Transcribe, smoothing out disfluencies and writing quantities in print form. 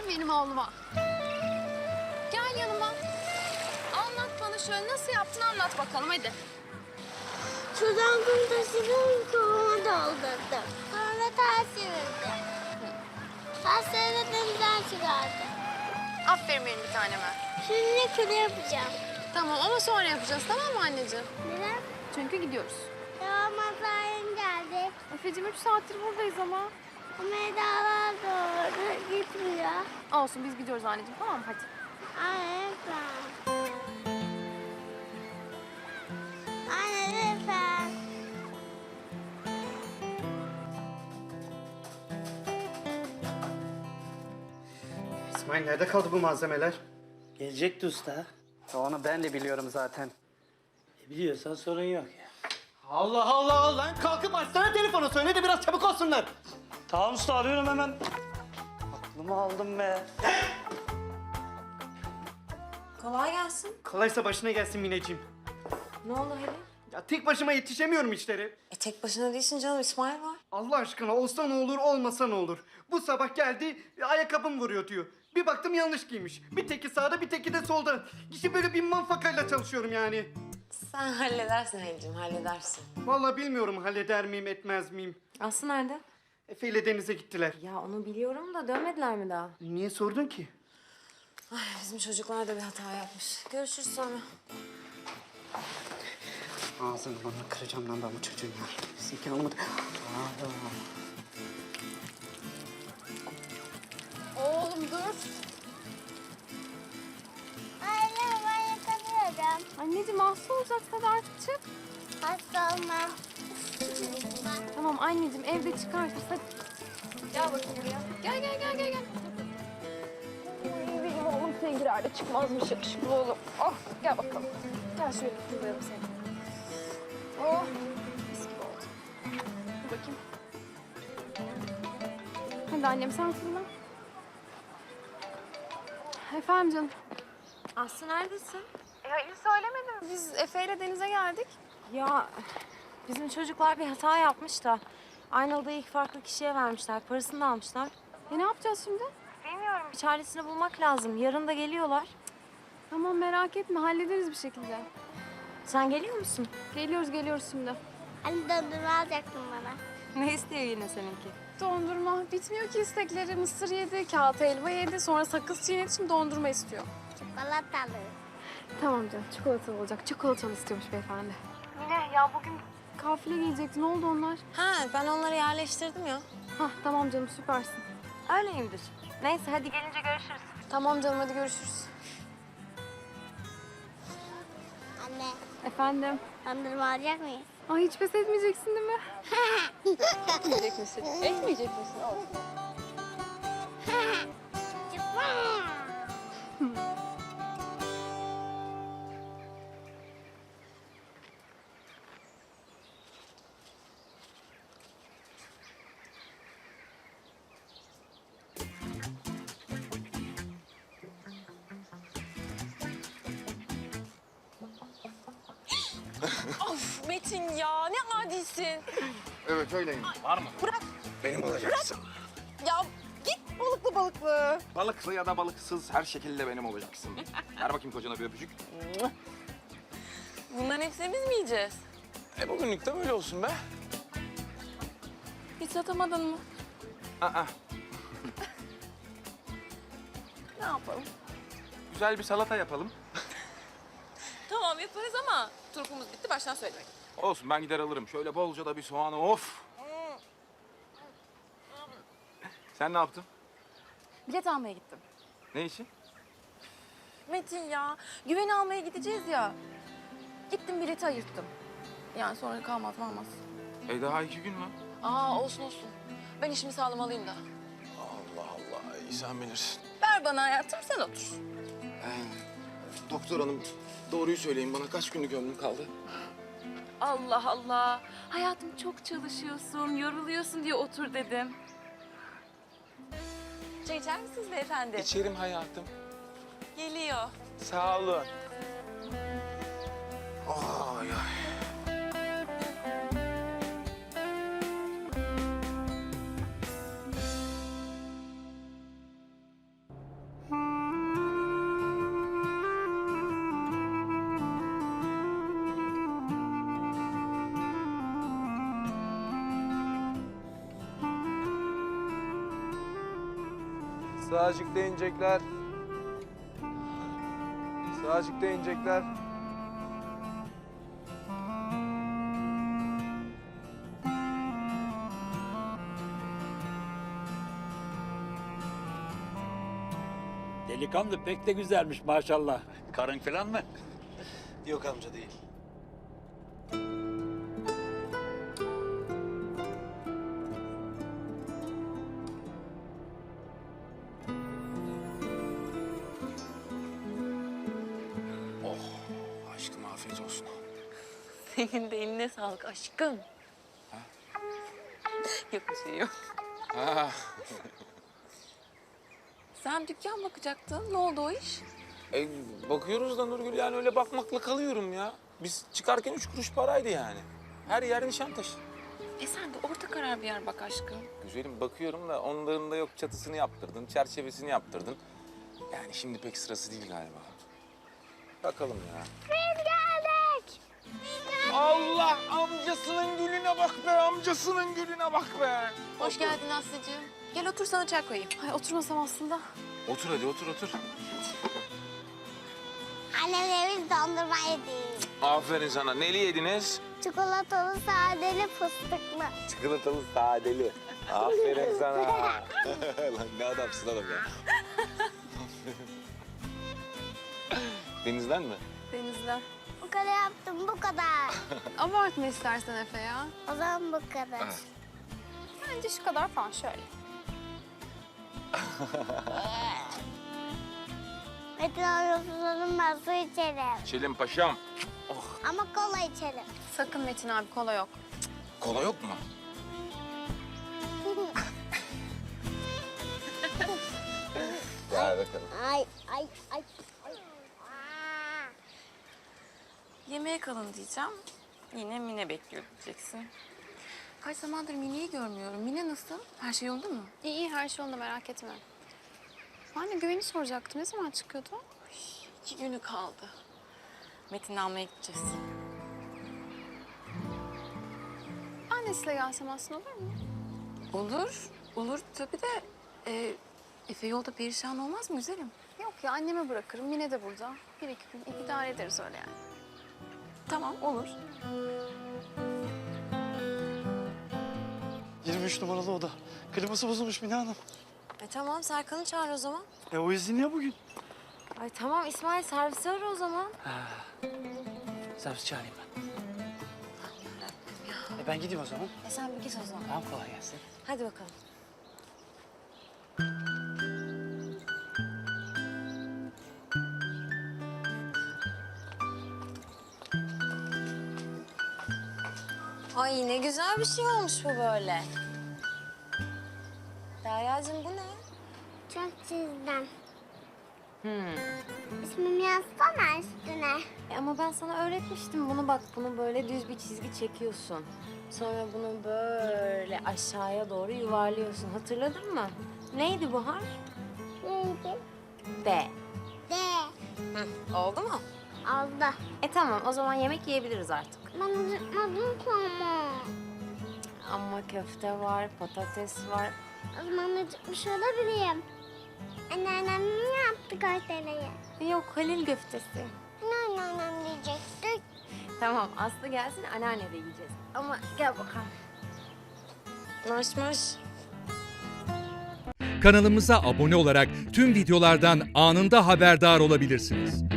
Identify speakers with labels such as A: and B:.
A: benim oğluma. Gel yanıma. Anlat bana şöyle nasıl yaptın anlat bakalım hadi.
B: Sudan kum taşıdım, kovama doldurdum. Sonra ters çevirdim. Tersleri de denizden çıkardım.
A: Aferin benim bir taneme.
B: Şimdi küre yapacağım.
A: Tamam ama sonra yapacağız tamam mı anneciğim?
B: Neden?
A: Çünkü gidiyoruz.
B: Ya masayım geldi.
A: Efe'cim 3 saattir buradayız ama.
B: Ama Eda'lar doğru gitmiyor.
A: Olsun biz gidiyoruz anneciğim tamam mı hadi.
B: Anne lütfen. Anne lütfen.
C: İsmail nerede kaldı bu malzemeler?
D: Gelecekti usta.
C: Onu ben de biliyorum zaten.
D: Biliyorsan sorun yok ya.
C: Allah Allah lan kalkıp açsana telefonu söyle de biraz çabuk olsunlar.
D: Tamam usta arıyorum hemen. Aklımı aldım be.
E: Kolay gelsin.
C: Kolaysa başına gelsin Mineciğim.
E: Ne oldu Halil?
C: Ya tek başıma yetişemiyorum işleri.
E: Tek başına değilsin canım, İsmail var.
C: Allah aşkına olsa ne olur olmasa ne olur. Bu sabah geldi ayakkabım vuruyor diyor. Bir baktım yanlış giymiş. Bir teki sağda bir teki de solda. İşte böyle bir manfakayla çalışıyorum yani.
E: Sen halledersin Halil'cim, halledersin.
C: Vallahi bilmiyorum halleder miyim etmez miyim.
E: Aslı nerede?
C: Efe ile denize gittiler.
E: Ya onu biliyorum da dönmediler mi daha?
C: Niye sordun ki?
E: Bizim çocuklar da bir hata yapmış. Görüşürüz sonra.
C: Ağzını bana kıracağım lan ben bu çocuğun ya. Bizimki almadı.
A: Oğlum dur.
B: Anne ben yıkanıyorum.
A: Anneciğim hasta olacaksın hadi artık çık.
B: Hasta olmam.
A: Tamam anneciğim evde çıkartırız hadi. Gel bakayım buraya. Gel gel gel gel. Benim oğlum sevgilerde çıkmazmış yakışıklı oğlum. Oh gel bakalım. Gel şöyle kutlayalım seni. Oh mis gibi oldu. Dur bakayım. Hadi annem sen fırla. Efendim canım.
E: Aslı neredesin?
A: Halil söylemedim. Biz Efe ile denize geldik.
E: Ya bizim çocuklar bir hata yapmış da Aynalı'da ilk farklı kişiye vermişler. Parasını da almışlar.
A: Ne yapacağız şimdi?
E: Bir çaresini bulmak lazım. Yarın da geliyorlar.
A: Tamam merak etme hallederiz bir şekilde.
E: Sen geliyor musun?
A: Geliyoruz şimdi.
B: Anne dondurma alacaktın bana.
E: Ne istiyor yine seninki?
A: Dondurma. Bitmiyor ki istekleri. Mısır yedi, kağıt helva yedi, sonra sakız çiğnedi, şimdi dondurma istiyor.
B: Çikolatalı.
A: Tamam canım, çikolatalı olacak. Çikolatalı istiyormuş beyefendi. Mine ya bugün kafile gelecekti. Ne oldu onlar?
E: Ha, ben onları yerleştirdim ya.
A: Hah tamam canım süpersin.
E: Öyleyimdir. Neyse hadi gelince görüşürüz.
A: Tamam canım hadi görüşürüz.
B: Anne
A: Efendim?
B: dondurma alacak mıyız?
A: Ay hiç pes etmeyeceksin değil mi? Etmeyecek misin? Etmeyecek misin? Olsun.
F: Of Metin ya ne adisin.
G: Evet öyleyim.
F: Var mı? Bırak.
G: Benim olacaksın.
F: Ya git balıklı balıklı.
G: Balıklı ya da balıksız her şekilde benim olacaksın. Ver bakayım kocana bir öpücük.
F: Bunların hepsini biz mi yiyeceğiz?
G: Bugünlük de böyle olsun be.
F: Hiç satamadın mı?
G: Aa,
F: Ne yapalım?
G: güzel bir salata yapalım.
F: Tamam yaparız ama turkumuz bitti baştan söylemek.
G: Olsun ben gider alırım. Şöyle bolca da bir soğanı of. Sen ne yaptın?
F: Bilet almaya gittim.
G: Ne için?
F: Metin ya güven almaya gideceğiz ya. Gittim bileti ayırttım. Yani sonra kalmaz mı almaz.
G: Daha 2 gün var.
F: Aa olsun olsun. Ben işimi sağlamalıyım da.
G: Allah Allah iyi sen bilirsin.
F: Ver bana hayatım sen otur.
G: Doktor hanım doğruyu söyleyin bana kaç günlük ömrüm kaldı?
F: Allah Allah. Hayatım çok çalışıyorsun, yoruluyorsun diye otur dedim. Çay içer misiniz beyefendi?
G: İçerim hayatım.
F: Geliyor.
G: Sağ olun. Ay ay.
H: Sağcıkta inecekler. Sağcıkta inecekler.
I: Delikanlı pek de güzelmiş maşallah. Karın falan mı?
H: Yok amca değil.
G: Aşkım afiyet olsun.
F: Senin de eline sağlık aşkım. Yok bir şey yok. Sen dükkan bakacaktın. Ne oldu o iş?
J: Bakıyoruz da Nurgül, yani öyle bakmakla kalıyorum ya. Biz çıkarken 3 kuruş paraydı yani. Her yer Nişantaşı.
F: Sen de orta karar bir yer bak aşkım.
J: Güzelim, bakıyorum da onların da yok çatısını yaptırdın, çerçevesini yaptırdın. Yani şimdi pek sırası değil galiba. Bakalım ya.
B: Biz geldik.
J: Allah, amcasının gülüne bak be, amcasının gülüne bak be.
F: Hoş geldin Aslı'cığım. Gel otur sana çay koyayım.
A: Ay oturmasam aslında.
J: Otur hadi, otur.
B: Annemle biz dondurma yedik.
J: Aferin sana. Neli yediniz?
B: Çikolatalı, sadeli, fıstıklı.
J: Çikolatalı sadeli. Aferin sana. Lan ne adamsın oğlum ya. Denizden mi?
A: Denizden.
B: Bu kadar yaptım, bu kadar.
A: Abartma istersen Efe ya.
B: O zaman bu kadar.
A: Bence şu kadar falan şöyle.
B: Metin abi ben su içerim.
J: Çelim paşam.
B: Ama kola içerim.
A: Sakın Metin abi kola yok.
J: Kola yok mu? Gel bakalım.
B: Ay. Aa.
F: Yemeğe kalın diyeceğim. Yine Mine bekliyor diyeceksin. Kaç zamandır Mine'yi görmüyorum. Mine nasıl? Her şey yolunda mı?
A: İyi her şey onda merak etme. Ben de Güven'i soracaktım. Ne zaman çıkıyordu?
F: 2 günü kaldı. Metin'i almaya gideceğiz.
A: Ben de size gelsem aslında olur mu?
F: Olur tabii de Efe yolda perişan olmaz mı güzelim?
A: Yok ya anneme bırakırım. Yine de burada. 1-2 gün idare ederiz öyle yani.
F: Tamam olur.
D: 23 numaralı oda. Kliması bozulmuş Mine Hanım.
E: Tamam Serkan'ı çağır o zaman.
D: O izinli ya bugün.
E: Ay tamam İsmail servisi ara o zaman.
D: Servis çağırayım ben. Ben gideyim o zaman.
E: Sen bir git o zaman.
D: Tamam, kolay gelsin.
E: Hadi bakalım. Ay ne güzel bir şey olmuş bu böyle. Derya'cığım bu ne?
B: Çok çizdim. İsmimi yazsana üstüne.
E: Ama ben sana öğretmiştim bunu bak. Bunu böyle düz bir çizgi çekiyorsun. Sonra bunu böyle aşağıya doğru yuvarlıyorsun. Hatırladın mı? Neydi bu harf?
B: Neydi?
E: D.
B: D.
E: Oldu mu?
B: Oldu.
E: Tamam o zaman yemek yiyebiliriz artık.
B: Ben acıkmadım ki ama.
E: Ama köfte var, patates var.
B: O zaman acıkmış olabilirim. Anneannem ne yaptı köfteleri?
E: Yok Halil köftesi.
B: Anneannem diyecektik.
E: Tamam Aslı gelsin anneanne de yiyeceğiz. Ama gel bakalım. Maş.
K: Kanalımıza abone olarak tüm videolardan anında haberdar olabilirsiniz.